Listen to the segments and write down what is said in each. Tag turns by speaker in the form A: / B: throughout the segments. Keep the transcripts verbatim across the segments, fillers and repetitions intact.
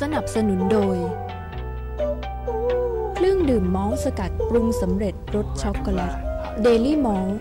A: นับสนุนโดยเครื่องดื่มมอลต์สกัดปรุงสำเร็จรสช็อกโกแลตเดลี่มอลต์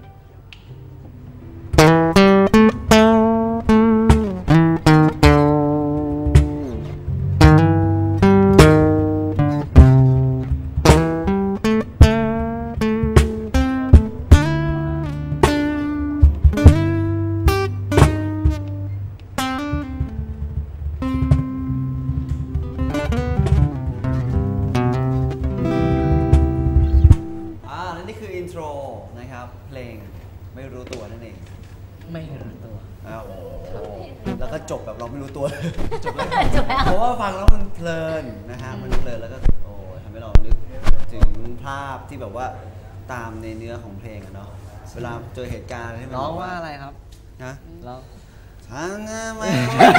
B: เพลงไม่รู้ตัวนั่นเอง
C: ไม่รู้ตัว
B: อ้าวแล้วก็จบแบบเราไม่รู้ตัวจบแล้วเพราะว่าฟังแล้วมันเพลินนะฮะมันเพลินแล้วก็โอ้ทำให้เรานึกถึงภาพที่แบบว่าตามในเนื้อของเพลงอะเนาะเวลาเจอเหตุการณ์ที่มัน
C: ร้องว่าอะไรครับ
B: นะ
C: ร้อง
B: ทางไม่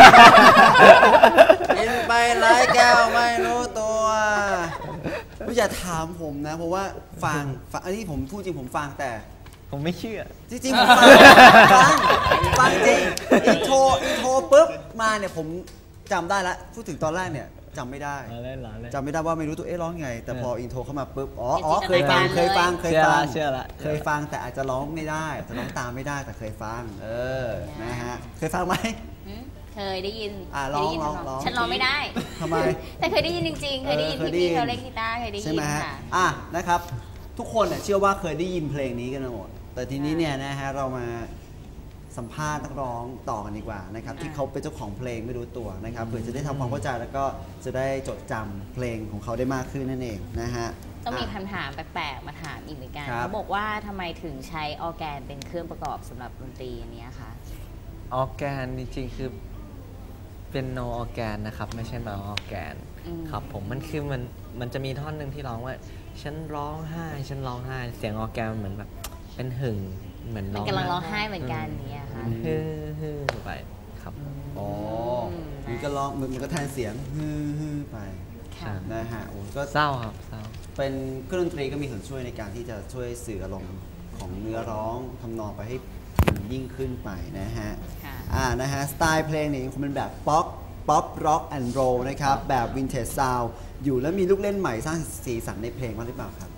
B: กินไปหลายแก้วไม่รู้ตัวไม่อย่าถามผมนะเพราะว่าฟังฟังอันนี้ผมพูดจริงผมฟังแต่
C: ผมไม่เชื่อ
B: จริงๆผมฟังฟังฟังจริงอินโทรอินโทรปุ๊บมาเนี่ยผมจำได้ละพูดถึงตอนแรกเนี่ยจำไม่ได้จำไม่ได้ว่าไม่รู้ตัวเอ๊ะร้องไงแต่พออินโทรเข้ามาปุ๊บอ๋ออ๋อเคยฟังเคยฟังเคยฟัง
C: เชื่อละ
B: เคยฟังแต่อาจจะร้องไม่ได้แต่ร้องตามไม่ได้แต่เคยฟังเออนะฮะเคยฟังไหม
D: เคยได้ยิน
B: อ่าร้องร้องร้อง
D: ฉันร้องไม่ได้
B: ทำไม
D: แต่เคยได้ยินจริงๆเคยได้ยินพี่ๆเขาเล่นกีตาร์เคยได้ยิน
B: ใช่ไหมฮะอ่ะนะครับทุกคนเนี่ยเชื่อว่าเคยได้ยินเพลงนี้กันหมดแต่ทีนี้เนี่ยนะฮะเรามาสัมภาษณ์นักร้องต่อกันดีกว่านะครับที่เขาเป็นเจ้าของเพลงไม่รู้ตัวนะครับเพื่อจะได้ทำความเข้าใจแล้วก็จะได้จดจำเพลงของเขาได้มากขึ้นนั่นเองนะฮะ
D: ต้องมีคำถามแปลกๆมาถามอีกเหมือนกันเขาบอกว่าทำไมถึงใช้ออร์แกนเป็นเครื่องประกอบสำหรับดนตรีอันนี้คะ
C: ออร์แกนจริงๆคือเป็นโนออร์แกนนะครับไม่ใช่มาออร์แกนครับผมมันคือมันมันจะมีท่อนหนึ่งที่ร้องว่าฉันร้องไห้ฉันร้องไห้เสียงออร์แกนเหมือนแบบเป็นหึ่งเหมือน
D: ร้องกำลังร้องไห้เหมือนกันเนี่ยค่ะ
C: ฮึ่ฮึ่ไปครับ
B: อ๋อมันก็ร้องมันก็แทนเสียงฮึ่ฮึ่ไปนะฮะโอ้ก็
C: เศร้าครับเศร้า
B: เป็นเครื่องดนตรีก็มีส่วนช่วยในการที่จะช่วยสื่ออารมณ์ของเนื้อร้องทำนองไปให้ยิ่งขึ้นไปนะฮะอ่านะฮะสไตล์เพลงเนี่ยคงเป็นแบบป๊อปป๊อปร็อกแอนด์โรลนะครับแบบวินเทจซาวด์อยู่แล้วมีลูกเล่นใหม่สร้างสีสันในเพลงบ้างหรือเปล่าครับ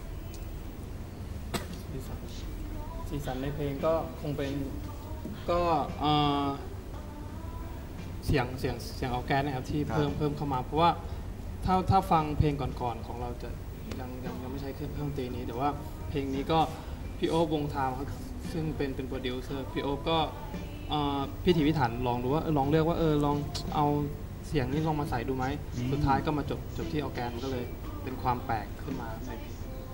E: สีสันในเพลงก็คงเป็นก็เสียงเสียงเสียงออร์แกนนะครับที่เพิ่มเพิ่มเข้ามาเพราะว่าถ้าถ้าฟังเพลงก่อนๆของเราจะยังยังยังไม่ใช้เครื่องดนตรีนี้แต่ว่าเพลงนี้ก็พี่โอ๊บวงทามซึ่งเป็นเป็นโปรดิวเซอร์พี่โอ๊บก็พิถีพิถันลองดูว่าลองเลือกว่าเออลองเอาเสียงนี้ลองมาใส่ดูไหมสุดท้ายก็มาจบจบที่ออร์แกนก็เลยเป็นความแปลกขึ้นมาในเพลง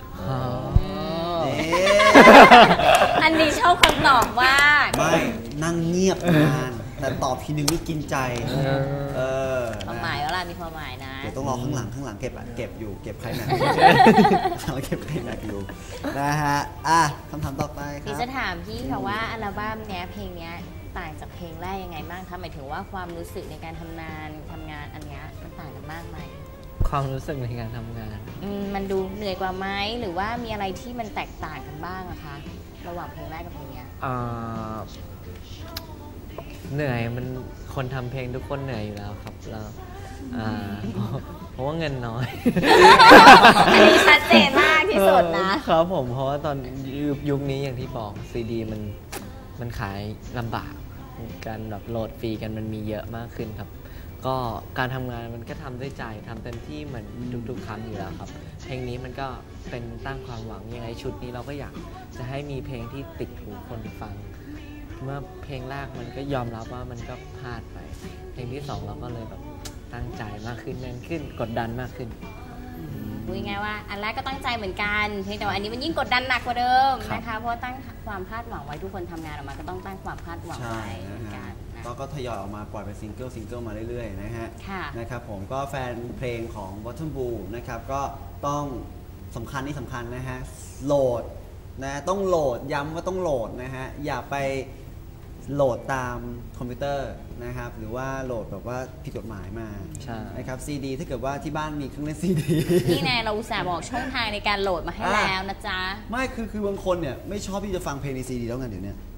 D: อันนี้ชอบคำตอบมาก
B: ไม่นั่งเงียบนานแต่ตอบทีนึงนี่กินใจเออ
D: ความหมายว่าอะไรมีความหมายนะ
B: เดี๋ยวต้องรอข้างหลังข้างหลังเก็บเก็บอยู่เก็บใครแม็กเราเก็บใครแม็กอยู่นะฮะอ่ะคำถามต่อไปครับ
D: พี่จะถามพี่ค่ะว่าอัลบั้มเนี้ยเพลงเนี้ยต่างจากเพลงแรกยังไงบ้างคะหมายถึงว่าความรู้สึกในการทำงานทำงานอันเนี้ยมันต่างกันมากไหม
C: ความรู้สึกในการทำงาน
D: มันดูเหนื่อยกว่าไหมหรือว่ามีอะไรที่มันแตกต่างกันบ้างอะคะระหว่างเพลงแรกกับเพลงนี้
C: เหนื่อยมันคนทำเพลงทุกคนเหนื่อยอยู่แล้วครับแล้วเพราะว่าเงินน้อย
D: อันนี้ชัดเจนมากที่สุด
C: นะครับผมเพราะว่าตอนยุคนี้อย่างที่บอกซีดีมันมันขายลำบากการแบบโหลดฟรีกันมันมีเยอะมากขึ้นครับก็การทำงานมันก็ทำด้วยใจทำเต็มที่เหมือนทุกๆครั้งอยู่แล้วครับเพลงนี้มันก็เป็นตั้งความหวังยังไงชุดนี้เราก็อยากจะให้มีเพลงที่ติดหูคนฟังเมื่อเพลงแรกมันก็ยอมรับว่ามันก็พลาดไปเพลงที่สองเราก็เลยแบบตั้งใจมากขึ้นแน่นขึ้นกดดันมากขึ้น
D: พูดง่ายว่าอันแรกก็ตั้งใจเหมือนกันเพียงแต่ว่าอันนี้มันยิ่งกดดันหนักกว่าเดิมนะคะเพราะตั้งความคาดหวังไว้ทุกคนทำงานออกมาก็ต้องตั้งความคาดหวังไว้เหมือนกัน
B: ก็ทยอยออกมาปล่อยเป็นซิงเกิลซิงเกิลมาเรื่อยๆนะฮะนะครับผมก็แฟนเพลงของ Bottom Blue นะครับก็ต้องสำคัญนี่สำคัญนะฮะโหลดนะต้องโหลดย้ำว่าต้องโหลดนะฮะอย่าไปโหลดตามคอมพิวเตอร์นะครับหรือว่าโหลดแบบว่าผิดกฎหมายมานะครับซีดีถ้าเกิดว่าที่บ้านมีเครื่องเล่นซีดี
D: นี่ไงเราอุตส่าห์บอกช่องทางในการโหลดมาให้แล้วนะจ๊ะ
B: ไม่คือคือบางคนเนี่ยไม่ชอบที่จะฟังเพลงในซีดีแล้วไงเดี๋ยวนี้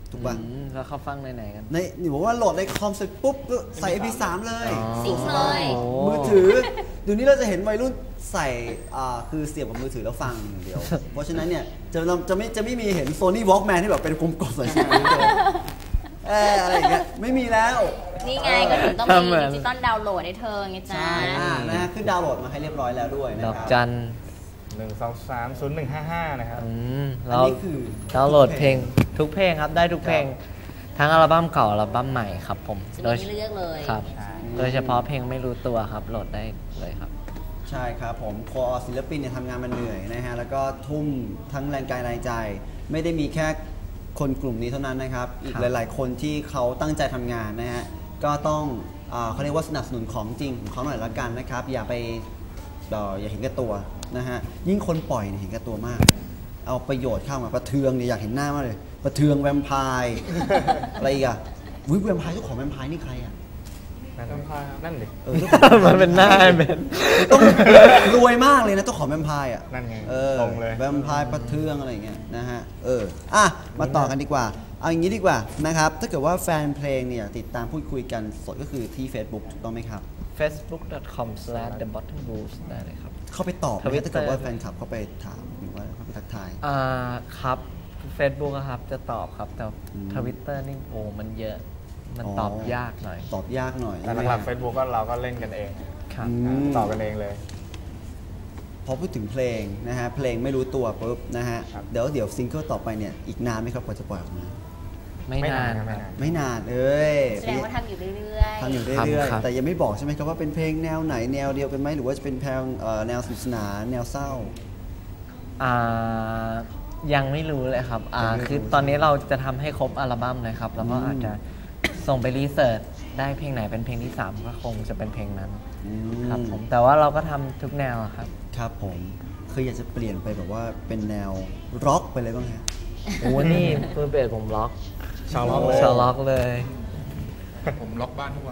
B: ถูกป่ะ
C: แล้วเขาฟังในไหนกัน
B: ในหนูบอกว่าโหลดในคอมเสร็จปุ๊บก็ใส่ เอ็ม พี สาม เลย
D: สิงเลย
B: มือถือเดี๋ยวนี้เราจะเห็นวัยรุ่นใส่อ่าคือเสียบกับมือถือแล้วฟังอย่างเดียว เพราะฉะนั้นเนี่ยจะจะไม่จะไม่มีเห็น Sony Walkman ที่แบบเป็นกลมๆใส่เสียบเลยเอออะไรอย่างเงี้ยไม่มีแล้ว
D: นี่ไงก็ถึงต้องมีดิจิตอลดาวน์โหลดให้เธอไงจ้า
B: ใช่อ่านะฮะขึ้นดาวน์โหลดมาให้เรียบร้อยแล้วด้วยนะ
C: ด
B: ค
C: อ
B: รั
C: ก
B: บ
C: จัน
F: หนึ่งสองสามศูนย์หนึ่งห้าห้านะครับ
C: อืม
B: อัน
C: เรา
B: นี้คือ
C: ดาวน์โหลดเพลงทุกเพลงครับได้ทุกเพลงทั้งอัลบั้มเก่าอัลบั้มใหม่ครับผม
D: จะ
C: โดย
D: มีให้เลือกเลย
C: ครับ
F: ใช่
C: โดยเฉพาะเพลงไม่รู้ตัวครับโหลดได้เลยครับ
B: ใช่ครับผมคอศิลปินเนี่ยทำงานมันเหนื่อยนะฮะแล้วก็ทุ่มทั้งแรงกายแรงใจ ไม่ได้มีแค่คนกลุ่มนี้เท่านั้นนะครับ อีก
C: ครับ
B: หลาย ๆ คนที่เขาตั้งใจทำงานนะฮะก็ต้องอ่าเขาเรียกว่าสนับสนุนของจริงของเขาหน่อยละกันนะครับ อย่าไปเอ่ออย่าเห็นแก่ตัวนะฮะยิ่งคนปล่อยเนี่ยเห็นแก่ตัวมาก เอาประโยชน์เข้ามาประเทืองเนี่ยอยากเห็นหน้ามากเลย ประเทืองแวมไพร์ อะไรอีกอะวิแวมไพร์เจ้าของแวมไพร์นี่ใครอะ
F: นั่นนั่นดิ
B: เออเจ้าของ
C: มันเป็นหน้าเบน
B: ต้องรวยมากเลยนะเจ้าของแวมไพร์อ่ะ
F: นั่นไง
B: เออ
F: ตรงเลย
B: แวมไพร์ประเทืองอะไรอย่างเงี้ยนะฮะเอออ่ะมาต่อกันดีกว่าเอาอย่างนี้ดีกว่านะครับถ้าเกิดว่าแฟนเพลงเนี่ยติดตามพูดคุยกันสดก็คือที่ Facebook ถูกต้องไหมครับ
C: เฟซบุ๊ก ดอท คอม สแลช เดอะ บอททอม บลูส์ ได้เลยครับ
B: เข้าไปตอบไหม
C: Twitter
B: ถ้าเกิดว่าแฟนคลับเข้าไปถามหรือว่าเข้าไปทักทาย
C: อ่าครับ Facebook อะครับจะตอบครับ แต่
B: อืม
C: ทวิตเตอร์นี่โอ้มันเยอะ มัน
B: อ๋อ
C: ตอบยากหน่อย
B: ตอบยากหน่อย
F: แต่หลักๆ Facebook ก็เราก็เล่นกันเอง
C: ครับ
B: อืม
F: ตอบกันเองเลย
B: พอพูดถึงเพลงนะฮะเพลงไม่รู้ตัวปุ๊บนะฮะ
F: ครับ
B: เดี๋ยวเดี๋ยวซิงเกิลต่อไปเนี่ยอีกนานไหมครับกว่าจะปล่อยออกมา
C: ไม่
F: ไม่
C: นาน
F: าน
C: น
F: ไม่
C: ครับ
F: นาน
B: ไม่นานเอ้ย
D: แสดงว่าทำอยู่เรื่อยๆ
B: ทำอยู่เรื่อย
C: ครับ
B: ๆ แต่ยังไม่บอกใช่ไหมครับว่าเป็นเพลงแนวไหนแนวเดียวกันไหมหรือว่าจะเป็นเพลงเอ่อแนวสนุกสนานแนวเศร้า
C: อ่ายังไม่รู้เลยครับอ่า
B: ยังไม่รู้
C: คือตอนนี้เราจะทำให้ครบอัลบั้มเลยครับ แล้วก็
B: อืม
C: อาจจะส่งไปรีเสิร์ชได้เพลงไหนเป็นเพลงที่สามก็คงจะเป็นเพลงนั้น
B: อื
C: ครับผมแต่ว่าเราก็ทำทุกแนวอะครับ
B: ครับผมคืออยากจะเปลี่ยนไปแบบว่าเป็นแนวร็อกไปเลยบ้างฮะ
C: โอ้นี่เพื่อเบสผมล็อก
F: ชาวล็อกเลย
C: ชาวล็อกเลย
G: ผมล็อกบ้านทุกวัน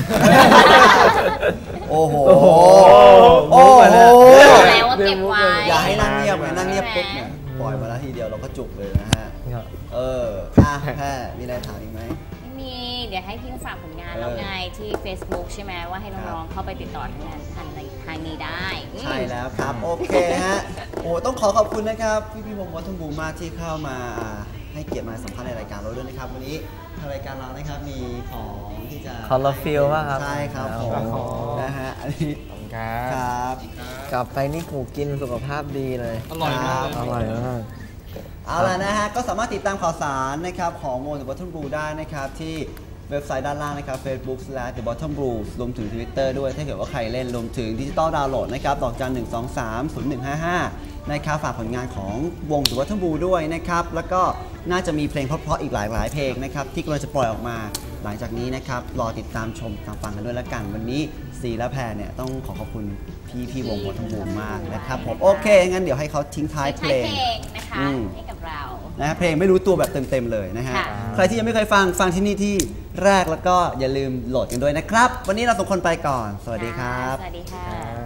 B: โอ้โห
C: โอ้โห
B: โอ้โห
D: แล้วว่าเก็บไว้
B: อย่าให้นั่งเงียบเลยนั่งเงียบปุ๊บเนี่ยปล่อยมาแล้วทีเดียวเราก็จุกเลยนะฮะ
C: ครับ
B: เอออ่ะแพ้มีอะไรถามอีกไหม
D: ไม่มี เดี๋ยวให้พี่ฝากผลงาน
B: เออ
D: แล้วไงที่ Facebook ใช่ไหมว่าให้
B: ครั
D: น้อง
B: บ
D: ๆเข้าไปติดต่อทางงานทางในทางนี้ได้อืม
B: ใช่แล้วครับ โอเคฮะโอ้ต้องขอขอบคุณนะครับพี่พี่วงวัฒนบูมมากที่เข้ามาอ่าให้เกียรติมาสัมภาษณ์ในรายการเราด้วยนะครับวันนี้ทางรายการเรานะครับมีของที่จะ
C: Colorfill ป่ะครับ
B: ใช่ครับผม
C: อ๋อ
B: นะฮะอันนี้
F: ขอบคุณครั
B: ค
F: บ
B: รับ
C: กลับไปนี่กูกินสุขภาพดีเลย
E: อร่อยมากเลย
C: อร่อยมาก
B: เอาล่ะนะฮะก็สามารถติดตามข่าวสารนะครับของวง The Bottom Blue ได้นะครับที่เว็บไซต์ด้านล่างนะครับ Facebook slash The Bottom Blue รวมถึง Twitter ด้วยถ้าเกิดว่าใครเล่นรวมถึงดิจิตอลดาวน์โหลดนะครับดอกจันหนึ่งสองสามศูนย์หนึ่งห้าห้านะครับฝากผลงานของวง The Bottom Blue ด้วยนะครับแล้วก็น่าจะมีเพลงเพราะๆอีกหลายหลายๆเพลงนะครับที่กำลังจะปล่อยออกมาหลังจากนี้นะครับรอติดตามชมตามฟังกันด้วยละกันวันนี้ซีและแพรเนี่ยต้องขอขอบคุณพี่พี่วง Bottom Blue มากนะครับผมโอเคงั้นเดี๋ยวให้เขาทิ้งท้ายเพล
D: ใช้
B: ง
D: เพลงนะคะ
B: อืม
D: ให้กับเรา
B: นะฮะเพลงไม่รู้ตัวแบบเต็มๆเลยนะฮะ
D: ค่ะ
B: ใครที่ยังไม่เคยฟังฟังที่นี่ที่แรกแล้วก็อย่าลืมโหลดกันด้วยนะครับ วันนี้เราสองคนไปก่อน สวัสดีครับ
D: สวัสดีค่ะ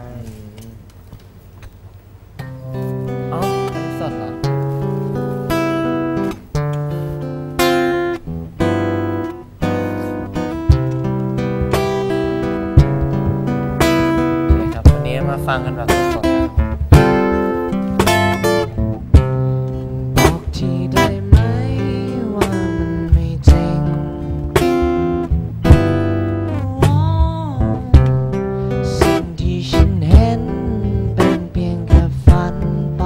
C: เอ้าสดเหรอโอเคครับ วันนี้มาฟังกันแบบสดๆนะครับบอกทีได้ไหมว่ามันไม่จริง สิ่งที่ฉันเห็นเป็นเพียงแค่ฝันไป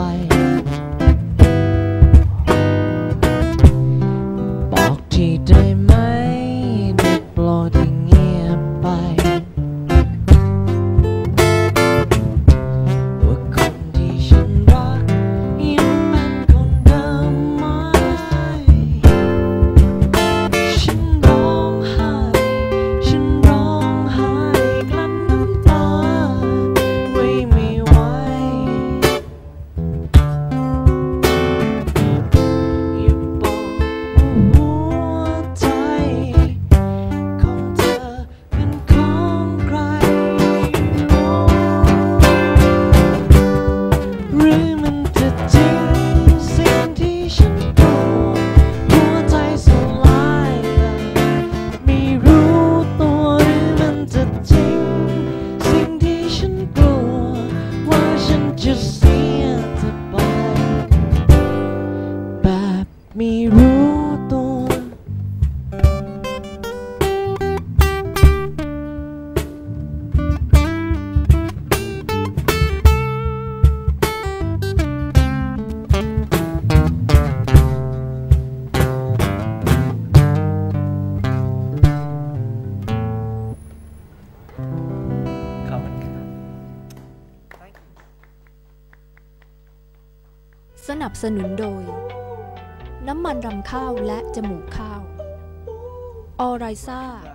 C: บอกทีได้ไหมได้โปรดอย่าเงียบไป
A: สนับสนุนโดยน้ำมันรำข้าวและจมูกข้าวออไรซ่า